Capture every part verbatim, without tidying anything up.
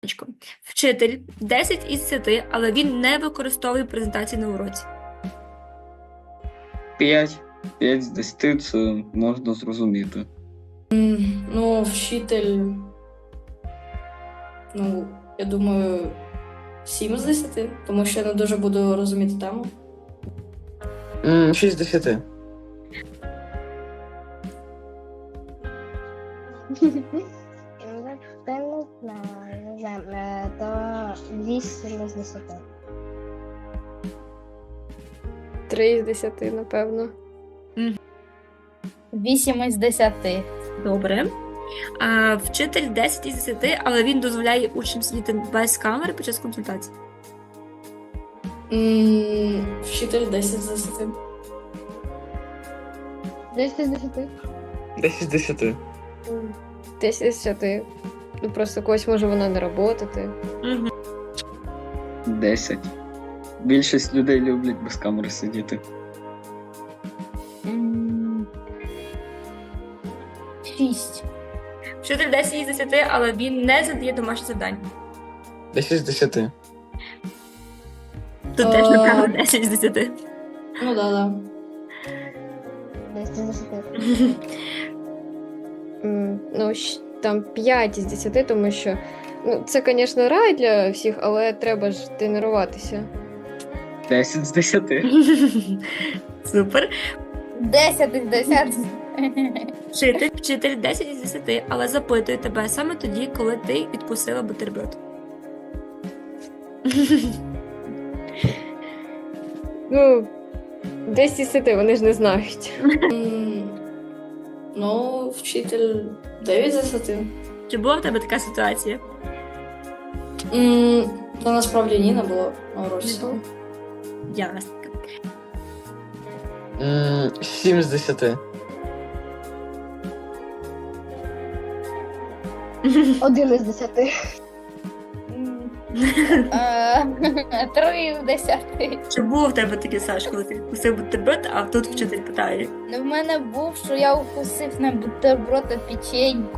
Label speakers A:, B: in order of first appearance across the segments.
A: Вчитель десять із десяти, але він не використовує презентації на уроці.
B: п'ять. п'ять з десяти це можна зрозуміти.
C: Ну, вчитель. Ну, я думаю, сім з десяти, тому що я не дуже буду розуміти тему.
D: М, шість з десяти.
E: Та не знаю, не знаю, е, то вісім з десяти.
F: Три із десяти, напевно.
G: Вісім із десяти.
A: Добре. А, вчитель десять із десяти, але він дозволяє учням сидіти без камери під час консультації.
C: М, Вчитель десять з десяти.
E: десять з десяти.
D: десять з десяти.
F: Десять із десяти. Ну, просто когось може вона не работати.
A: Угу.
B: десять. Більшість людей люблять без камери сидіти.
G: М, Шість.
A: Вчитель десять із десяти, але він не задає домашні завдання.
D: десять з десяти.
A: Тут
C: Е.
A: теж, напевно, десять з десяти.
C: Ну, да, да.
E: десять з десяти.
F: М, Ну, щ- там п'ять із десяти, тому що ну, це, звісно, рай для всіх, але треба ж тренуватися.
B: десять з десяти.
A: Супер.
G: Десять із десяти.
A: Вчитель, вчитель десять із десяти, але запитує тебе саме тоді, коли ти відкусила бутерброд.
F: Ну, десять із десяти, вони ж не знають.
C: М, Ну, вчитель дев'ять з десяти.
A: Чи була в тебе така ситуація?
C: М, Та насправді ні, не було на уроці.
A: Ясно.
D: М, сім з десяти.
E: Один із десяти.
G: М, е, Три із десяти.
A: Чи було в тебе таке, Саш, коли ти відкусив бутерброд, а тут вчитель питає?
G: Ну, в мене був, що я укусив на бутерброд та печеньку.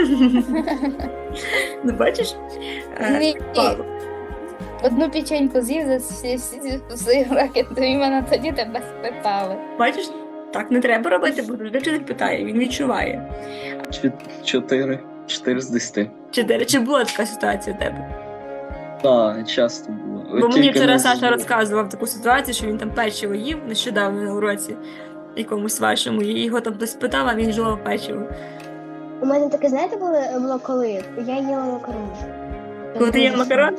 A: Ну, бачиш? Е,
G: Ні.
A: Павло.
G: Одну печеньку з'їв, за всі всі вкусив ракету, і мене тоді тебе спитали.
A: Бачиш? Так не треба робити, бо завжди вчитель питає, він відчуває.
B: Чот- Чотири. Чотири з десяти.
A: Чи, чи була така ситуація у тебе?
B: Так, часто було.
A: Бо мені
B: Тільки
A: вчора
B: не
A: Саша
B: з-
A: розказував таку ситуацію, що він там печиво їв нещодавно на уроці якомусь вашому, і його там хтось питав, а він жував печиво.
E: У мене таке, знаєте, було, було коли? Я їла макарони.
A: Коли ти їла макарони?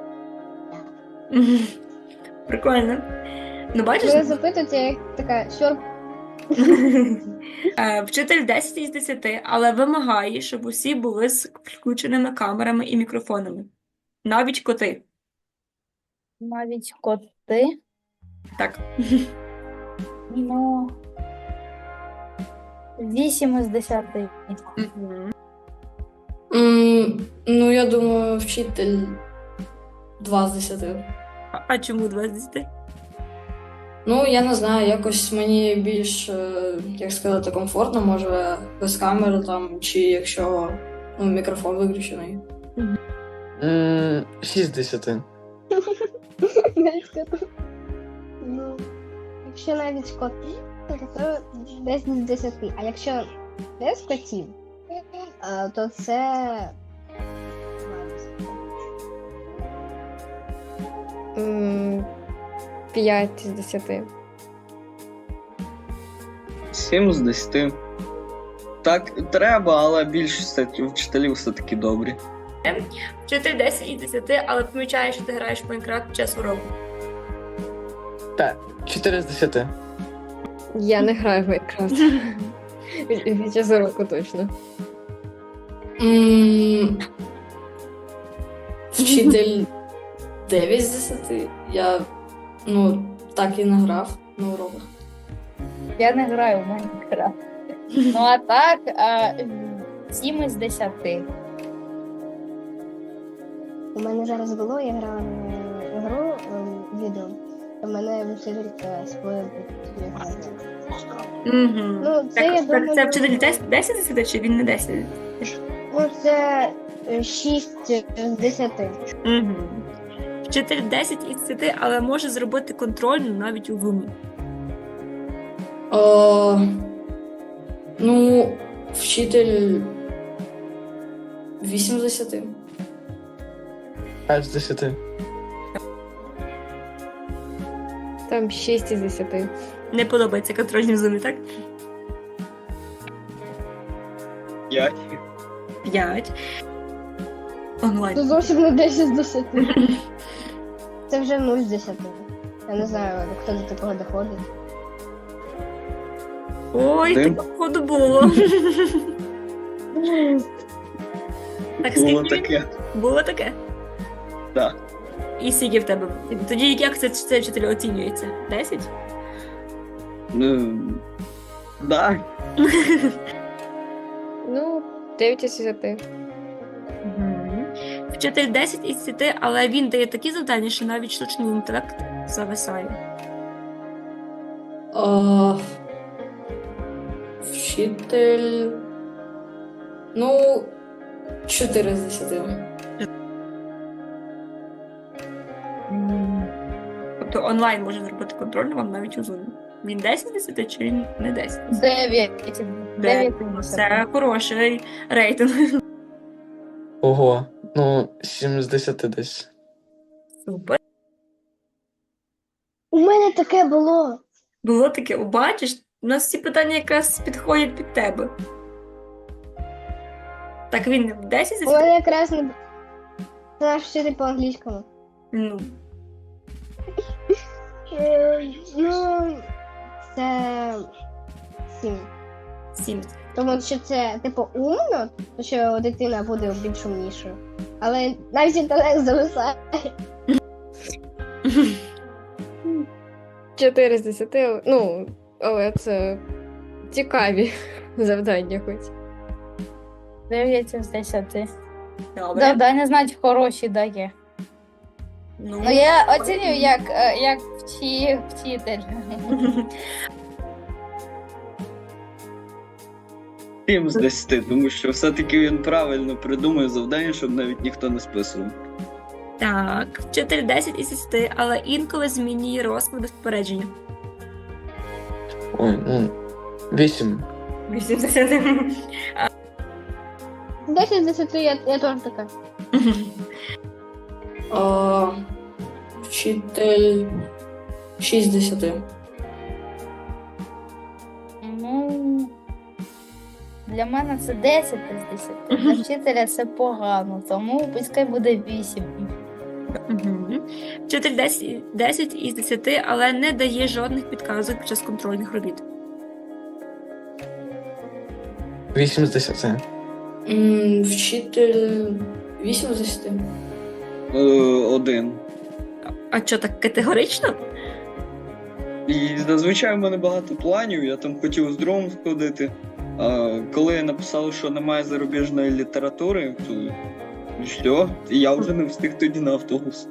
A: Мгм. Прикольно. Ну, бачиш?
E: Мене запитують, я як така, що
A: Е, Вчитель десять із десяти, але вимагає, щоб усі були з включеними камерами і мікрофонами. Навіть коти.
G: Навіть коти.
A: Так.
G: Ну. Вісім із десяти.
C: М, Ну, я думаю, вчитель два з десяти.
A: А, а чому два з десяти?
C: Ну, я не знаю, якось мені більш, е, як сказати, комфортно, може, без камери там, чи якщо ну, мікрофон виключений.
D: М, шість з десяти.
E: навіть коти. Ну, якщо навіть коти, то десять з десяти. А якщо без котів, е, то це
F: М, П'ять із десяти.
B: Сім з десяти. Так, треба, але більшість вчителів все-таки добрі.
A: Вчитель десять із десяти, але помічає, що ти граєш в Майнкрафт під час уроку.
D: Так, чотири з десяти.
F: Я не граю в Майнкрафт. Від від час уроку точно.
C: М, Вчитель дев'ять з десяти. Я ну, так і не грав на уроках.
G: Я не граю в Майнкрафт. Ну а так, а, сім із десяти.
E: у мене зараз було, я грала в гру ем, відео. У мене вчителька спойлер.
A: Угу.
E: Ну, це
A: Так,
E: я
A: так,
E: думаю.
A: це вчитель десять з десяти, чи він не десять?
E: Ну, це шість з десяти.
A: Угу. Вчитель десять із десяти, але може зробити контрольну навіть у Zoom.
C: О, ну, вчитель вісім з десяти.
D: п'ять з десяти.
F: Там шість із десяти.
A: Не подобається контрольні в Zoom, так?
B: П'ять.
A: п'ять. Онлайн.
E: Це зовсім не десять з десяти. Це вже нуль з десяти. Я не знаю, хто до такого доходить.
A: Ой,
B: Дим.
A: так походу було. Так,
B: Було
A: скільки?
B: таке.
A: Було таке?
B: Так.
A: І скільки в тебе? Тоді як це, це вчитель оцінюється? десять?
B: Ну, да.
F: Ну, дев'ять із десяти.
A: Мгм. Вчитель десять із десяти, але він дає такі завдання, що навіть штучний інтелект зависає.
C: О, вчитель. Ну, чотири з десяти.
A: М. Тобто онлайн може зробити контрольну вам навіть у Zoom. Він десять з десяти чи він не десять?
G: дев'ять. дев'ять із десяти.
A: Це хороший рейтинг.
D: Ого. Ну, сім з десяти десь.
A: Супер.
E: У мене таке було.
A: Було таке, о, бачиш, у нас всі питання якраз підходять під тебе. Так він десять з
E: У
A: десяти?
E: мене якраз не це наш вчитель по англійському.
A: Ну,
E: Е, Ну, це сім.
A: сім.
E: Тому що це, типу, умно, то що дитина буде більш умнішою. Але навіть інтелект зависає.
F: чотири з десяти, ну, але це цікаві завдання хоч.
G: дев'ять із десяти.
A: Добре.
G: Завдання, значить, хороші дає.
A: Ну,
G: Ну, я оцінюю як, е, як вчи, вчитель.
B: Сім з десяти, тому що все-таки він правильно придумує завдання, щоб навіть ніхто не списував.
A: Так, вчитель десять із десяти, але інколи змінює розклад без попередження.
D: Ой, ну, вісім.
A: вісім з десяти.
E: десять з десяти я, я теж така.
C: О, вчитель шість з десяти.
G: Ну, для мене це десять із десяти. Для вчителя це погано, тому пускай буде вісім.
A: Мгм. Вчитель десять, десять із десяти, але не дає жодних підказок під час контрольних робіт.
D: вісім з десяти.
C: М, Вчитель вісім з десяти.
B: Е, один.
A: А що так категорично?
B: І зазвичай в мене багато планів, я там хотів з другом сходити. А коли написали, що немає зарубіжної літератури, то і що? І я вже не встиг тоді на автобус.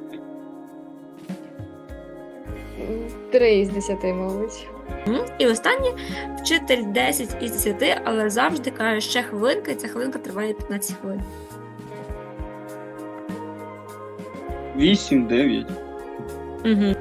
F: Три із десяти, мабуть.
A: М? І останнє, вчитель десять із десяти, але завжди каже, ще хвилинка, і ця хвилинка триває п'ятнадцять хвилин.
B: Вісім, дев'ять.
A: Угу.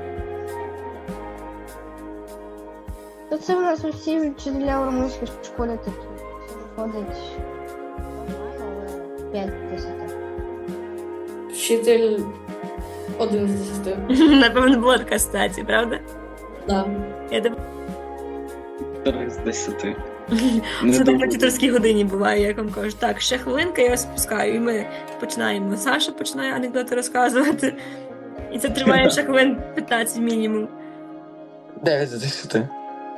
E: То це у нас усі вчителя у румунській школі такі. Це виходить нормально, але п'ять з десяти.
C: Вчитель один з десяти.
A: Напевно, була така ситуація, правда?
C: Да.
A: Я думаю,
B: Три з десяти.
A: це так на
B: дуже.
A: тіторській годині буває, як вам кажуть, так, ще хвилинка, я вас спускаю, і ми починаємо. Саша починає анекдоти розказувати, і це триває ще хвилин п'ятнадцять мінімум.
D: дев'ять з десяти.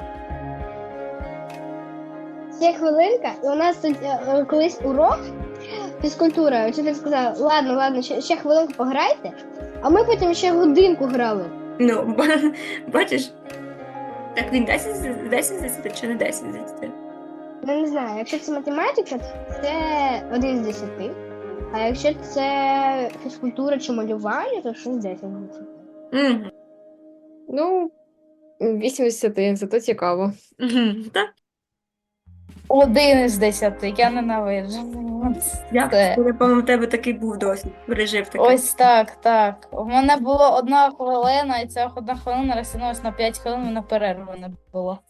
E: Ще хвилинка, і у нас тут е, е, колись урок фізкультура. Вчитель сказав, ладно, ладно, ще, ще хвилинку пограйте, а ми потім ще годинку грали.
A: Ну, ба- бачиш, так він десять з десять з десяти чи не десять з десяти?
E: Я не знаю, якщо це математика, це один з десяти. А якщо це фізкультура чи малювання, то шість з десяти.
A: Угу.
F: Ну, вісім із десяти, зато цікаво.
A: Угу. Так.
G: Один із десяти, я ненавиджу. От
A: Як
G: це.
A: це, по-моєму, у тебе такий був досвід, пережив такий.
G: Ось так, так. У мене було одна хвилина, і ця одна хвилина розтягнулася на п'ять хвилин, на перерву не було.